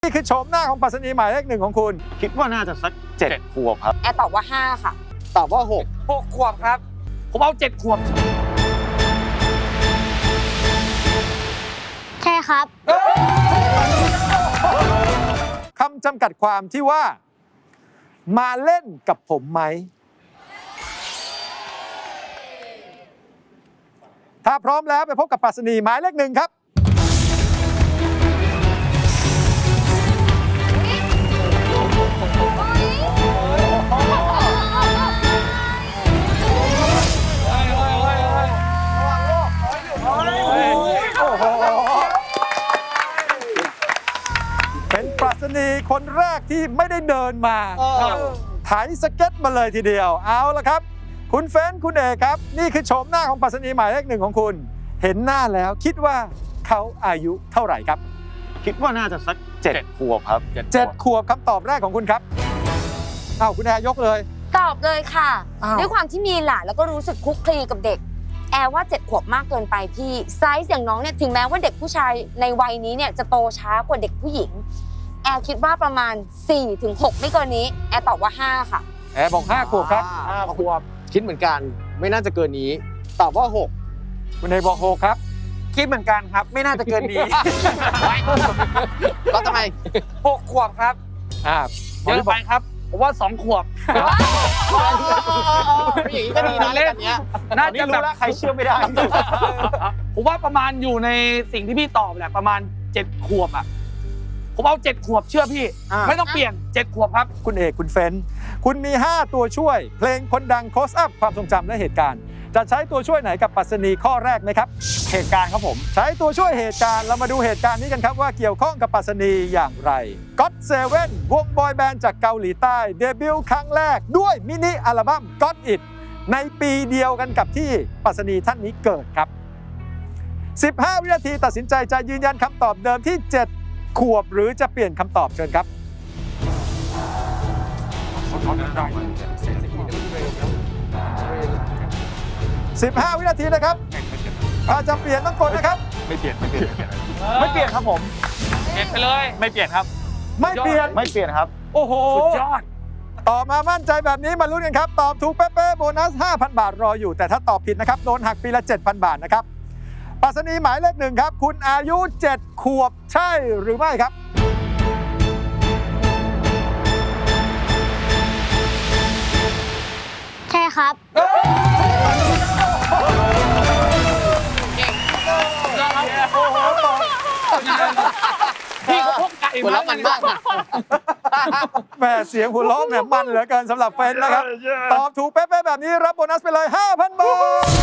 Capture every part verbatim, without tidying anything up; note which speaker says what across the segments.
Speaker 1: นี่คือโฉมหน้าของปรัชนีหมายเลขหนึ่งของคุณ
Speaker 2: คิดว่าน่าจะสักเจ็ดขวบครับ
Speaker 3: แอร์ตอบว่าห้าค่ะ
Speaker 2: ตอบว่าหก
Speaker 4: หกขวบครับผมเอาเจ็ดขวบ
Speaker 5: ใช่ครับ
Speaker 1: คำจำกัดความที่ว่ามาเล่นกับผมไหมถ้าพร้อมแล้วไปพบกับปรัชนีหมายเลขหนึ่งครับเป็นปรัชนีคนแรกที่ไม่ได้เดินมาไถสเก็ตมาเลยทีเดียวเอาละครับคุณเฟ้นคุณเอกครับนี่คือโฉมหน้าของปรัชนีหมายเลขหนึ่งของคุณเห็นหน้าแล้วคิดว่าเขาอายุเท่าไหร่ครับ
Speaker 2: คิดว่าน่าจะสักเจ็ดขวบครับ
Speaker 1: เจ็ดขวบคำตอบแรกของคุณครับอ้าวคุณแอร์ยกเลย
Speaker 3: ตอบเลยค่ะ
Speaker 1: อ้าว
Speaker 3: ด้วยความที่มีหลานแล้วก็รู้สึกคลุกคลีกับเด็กแอร์ว่าเจ็ดขวบมากเกินไปพี่ไซส์อย่างน้องเนี่ยถึงแม้ว่าเด็กผู้ชายในวัยนี้เนี่ยจะโตช้ากว่าเด็กผู้หญิงแอร์คิดว่าประมาณ สี่ถึงหก ไม่เกินนี้แอร์ตอบว่าห้าค่ะ
Speaker 1: แอร์บอกห้าขวบครับ
Speaker 2: ห้าขวบคิดเหมือนกันไม่น่าจะเกินนี้ตอบว่าหก
Speaker 1: คุณเอกบอกหกครับ
Speaker 4: คิดเหมือนกันครับไม่น่าจะเกินนี้
Speaker 2: แล้วทำไม
Speaker 4: หกขวบครับ
Speaker 1: อ่า
Speaker 4: เยอะไปครับผมว่าสองขวบ
Speaker 2: อย่างนี้ก็ดีนะเล่นเนี้ย
Speaker 4: น่าจะแบบ
Speaker 2: ใครเชื่อไม่ได้
Speaker 4: ผมว่าประมาณอยู่ในสิ่งที่พี่ตอบแหละประมาณเจ็ดขวบอ่ะผมเอาเจ็ดขวบเชื่อพี่ไม่ต้องเปลี่ยนเจ็ดขวบครับ
Speaker 1: คุณเอกคุณเฟ้นคุณมีห้าตัวช่วยเพลงคนดังโคสอัพความทรงจำและเหตุการณ์จะใช้ตัวช่วยไหนกับปรัชนีข้อแรกไหมครับ
Speaker 2: เหตุการณ์ครับผม
Speaker 1: ใช้ตัวช่วยเหตุการณ์เรามาดูเหตุการณ์นี้กันครับว่าเกี่ยวข้องกับปรัชนีอย่างไร God เซเว่น วงบอยแบนด์จากเกาหลีใต้เดบิวต์ครั้งแรกด้วยมินิอัลบั้ม Got It ในปีเดียวกันกับที่ปรัชนีท่านนี้เกิดครับสิบห้าวินาทีตัดสินใจจะยืนยันคำตอบเดิมที่เจ็ดขวบหรือจะเปลี่ยนคำตอบเชิญครับสิบห้าวินาทีนะครับถ้าจะเปลี่ยนต้องกดนะครับ
Speaker 2: ไม่เปลี่ยนไม่เปลี่ยน
Speaker 4: ไม่เปลี่ยนครับผมเปลี่ยนไปเลยไม่เปลี่ยนครับ
Speaker 1: ไม่เปลี่ยน
Speaker 2: ไม่เปลี่ยนครับ
Speaker 1: โอ้โห
Speaker 4: สุดยอด
Speaker 1: ต่อมามั่นใจแบบนี้มาลุ้นกันครับตอบถูกเป๊ะๆโบนัส ห้าพัน บาทรออยู่แต่ถ้าตอบผิดนะครับโดนหักปีละ เจ็ดพัน บาทนะครับปรัชนีหมายเลขหนึ่งครับคุณอายุเจ็ดขวบใช่หรือไม่ครับ
Speaker 5: ใช่ครับ
Speaker 4: พี่เขาพกไก่มา
Speaker 2: แล้วมันมาก
Speaker 1: แม่เสียงหัวเราะเนี่ยมันเหลือเกินสำหรับเฟนนะครับตอบถูกเป๊ะๆแบบนี้รับโบนัสไปเลย ห้าพัน บาท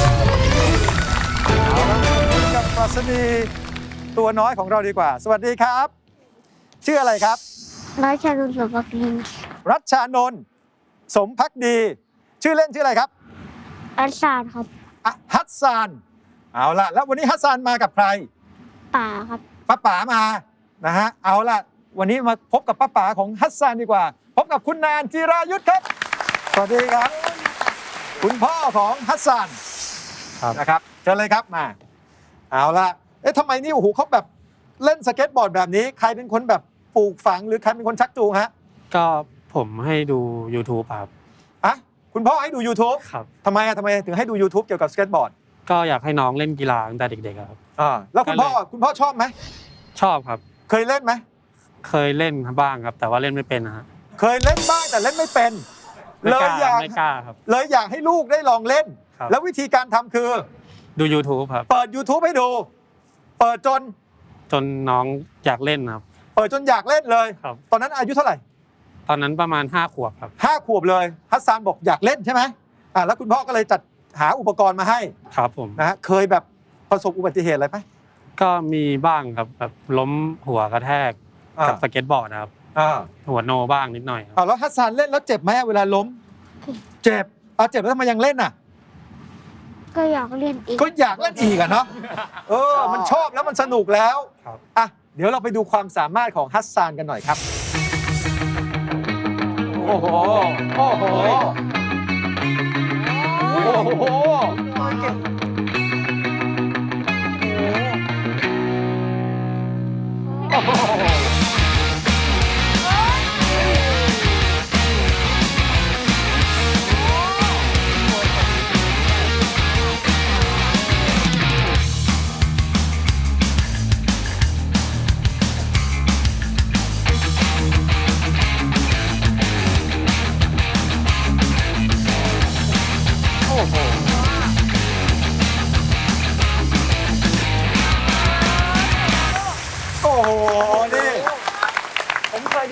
Speaker 1: เอาละกับปรัชนีตัวน้อยของเราดีกว่าสวัสดีครับชื่ออะไรครับ
Speaker 5: รัชนนท์สมภักดี
Speaker 1: รัชชานนท์สมภักดีชื่อเล่นชื่ออะไรครับ
Speaker 5: อัสซานครับ
Speaker 1: ฮัสซานเอาล่ะแล้ววันนี้ฮัสซานมากับใคร
Speaker 5: ป๋าครับ
Speaker 1: ป้าป๋ามานะฮะเอาล่ะวันนี้มาพบกับป้าป๋าของฮัสซานดีกว่าพบกับคุณแนนจิรายุทธครับสวัสดีครับคุณพ่อของฮัสซานนะครับเชิญเลยครับมาเอาล่ะเอ๊ะทำไมนี่โอ้โหเขาแบบเล่นสเก็ตบอร์ดแบบนี้ใครเป็นคนแบบปลูกฝังหรือใครเป็นคนชักจูงฮะ
Speaker 6: ก็ผมให้ดู YouTube ครับ
Speaker 1: อ่ะคุณพ่อให้ดู YouTube
Speaker 6: ครับ
Speaker 1: ทำไมอะทำไมถึงให้ดู YouTube เกี่ยวกับสเก็ตบอร์ด
Speaker 6: ก็อยากให้น้องเล่นกีฬาตั้งแต่เด็กๆครับ
Speaker 1: อ่าแล้วคุณพ่อคุณพ่อชอบไหม
Speaker 6: ชอบครับ
Speaker 1: เคยเล่นไหม
Speaker 6: เคยเล่นบ้างครับแต่ว่าเล่นไม่เป็นนะฮะ
Speaker 1: เคยเล่นบ้างแต่เล่นไม่เป็นเลยอยาก
Speaker 6: ไม่กล้าครับ
Speaker 1: เลยอยากให้ลูกได้ลองเล่นแล้ววิธีการทำคือ
Speaker 6: ดู YouTube ครับ
Speaker 1: เปิด YouTube ให้ดูเปิดจน
Speaker 6: จนน้องอยากเล่นครับ
Speaker 1: เปิดจนอยากเล่นเลย
Speaker 6: ครับ
Speaker 1: ตอนนั้นอายุเท่าไหร่
Speaker 6: ตอนนั้นประมาณห้าขวบครับ
Speaker 1: ห้าขวบเลยฮัสซานบอกอยากเล่นใช่ไหมอ่าแล้วคุณพ่อก็เลยจัดหาอุปกรณ์มาให้
Speaker 6: ครับผม
Speaker 1: นะฮะเคยแบบประสบอุบัติเหตุอะไรไหม
Speaker 6: ก็มีบ้างครับแบบล้มหัวกระแทกกับสเก็ตบอร์ดนะครับหัวโนบ้างนิดหน่อย
Speaker 1: อ่าแล้วฮัสซานเล่นแล้วเจ็บไหมเวลาล้มเจ็บเอาเจ็บแล้วทำไมยังเล่นอ่ะ
Speaker 5: ก็อยากเล่นอีก
Speaker 1: ก็อยากเล่นอีกอะเนาะเออมันชอบแล้วมันสนุกแล้วอ่ะเดี๋ยวเราไปดูความสามารถของฮัสซานกันหน่อยครับโอ้โหโอ้โหโอ้โหโอ้โห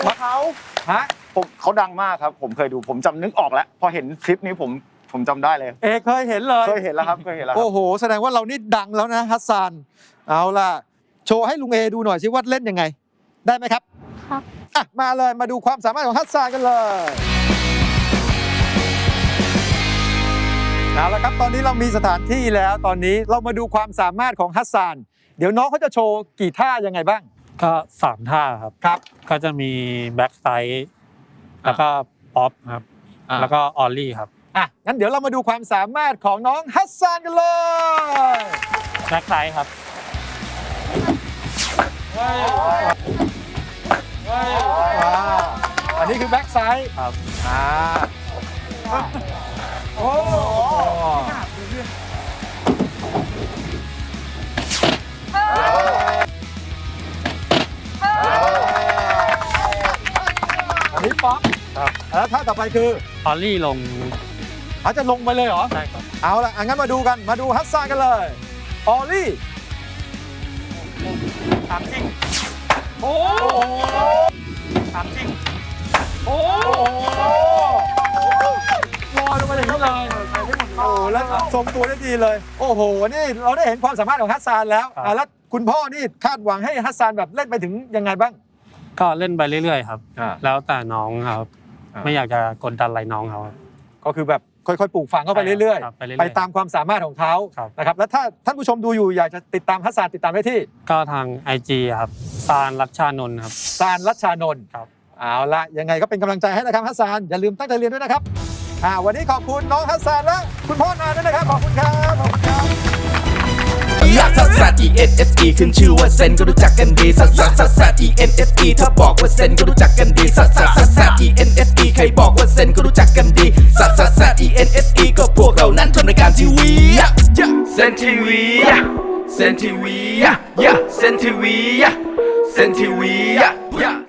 Speaker 2: เขา
Speaker 1: ฮะ
Speaker 7: ผมเขาดังมากครับ ผมเคยดูผมจำนึกออกแล้ว พอเห็นคลิปนี้ผมผมจำได้เลย
Speaker 1: เอเคยเห็นเลย
Speaker 7: เคยเห็นแล้วครับเคยเห็นแล้วครับ
Speaker 1: โอ้โห แสดงว่าเรานี่ดังแล้วนะฮัสซานเอาล่ะ โชว์ให้ลุงเอดูหน่อยสิว่าเล่นยังไง ได้ไหมครับ
Speaker 5: ครับ
Speaker 1: อ่ะมาเลยมาดูความสามารถของฮัสซานกันเลยเอาละครับตอนนี้เรามีสถานที่แล้วตอนนี้เรามาดูความสามารถของฮัสซานเดี๋ยวน้องเขาจะโชว์กี่ท่ายังไงบ้าง
Speaker 6: ก็สามท่าครับ
Speaker 1: ครับ
Speaker 6: ก็จะมีแบ็กไซด์แล้วก็ป๊อปครับ แล้วก็ออลลี่ครับ
Speaker 1: อ่ะงั้นเดี๋ยวเรามาดูความสามารถของน้องฮัสซานกันเลย
Speaker 6: แบ็กไซด์ครับ
Speaker 1: ว้าวอันนี้คือแบ็กไซด์
Speaker 6: ครับ
Speaker 1: อ่าโอ้อันนี้ป๊อป
Speaker 6: ครับ
Speaker 1: แล้วท่าต่อไปคือ
Speaker 6: ออลลี่ลง
Speaker 1: เขาจะลงไปเลยเหรอ
Speaker 6: ใช่ครับ
Speaker 1: เอาละอ่ะงั้นมาดูกันมาดูฮัสซานกันเลยออลลี่
Speaker 4: ถามจริง โอ้ถามจริง โอ้
Speaker 1: โอ้โหลอยลงมาอย่างนี้เลยโอ้โหแล้วทรงตัวได้ดีเลย โอ้โห นี่เราได้เห็นความสามารถของฮัสซานแล้ว
Speaker 6: ครับ
Speaker 1: อ่ะแล้วคุณพ่อนี่คาดหวังให้ฮัสซานแบบเล่นไปถึงยังไงบ้าง
Speaker 6: ก็เล่นไปเรื่อยๆครับ
Speaker 1: อ่า
Speaker 6: แล้วแต่น้องครับ
Speaker 1: อ่า
Speaker 6: ไม่อยากจะกดดันอะไรน้องเขาครับ
Speaker 1: ก็คือแบบค่อยๆปลูกฝังเข้าไปเรื่อย
Speaker 6: ครับไปเรื่อย
Speaker 1: ๆ
Speaker 6: ๆ
Speaker 1: ไปตามความสามารถของเขา
Speaker 6: ครับ
Speaker 1: นะครับ แล้วถ้าท่านผู้ชมดูอยู่อยากจะติดตามฮัสซานติดตามได้ที่
Speaker 6: ก็ทาง ไอ จี ครับซานรัชชานนท์ครับ
Speaker 1: ซานรัชชานนท์
Speaker 6: ครับ
Speaker 1: เอาละยังไงก็เป็นกำลังใจให้นะครับฮัสซานอย่าลืมตั้งใจเรียนด้วยนะครับอ่าวันนี้ขอบคุณน้องฮัสซานและคุณพ่อนาด้วยนะครับขอบคุณครับขอบคุณครับ
Speaker 8: ลักซัสซัส E N S E ขึ้นชื่อว่าเซนก็รู้จักกันดีซัสซัสซัสซัส E N S E ถ้าบอกว่าเซนก็รู้จักกันดีซัสซัสซัสซัส E N S E ใครบอกว่าเซนก็รู้จักกันดีซัสซัสซัส E N S E ก็พวกเรานั้นทำรายการทีวีเซนทีวีเซนทีวีเซนทีวีเซนทีวี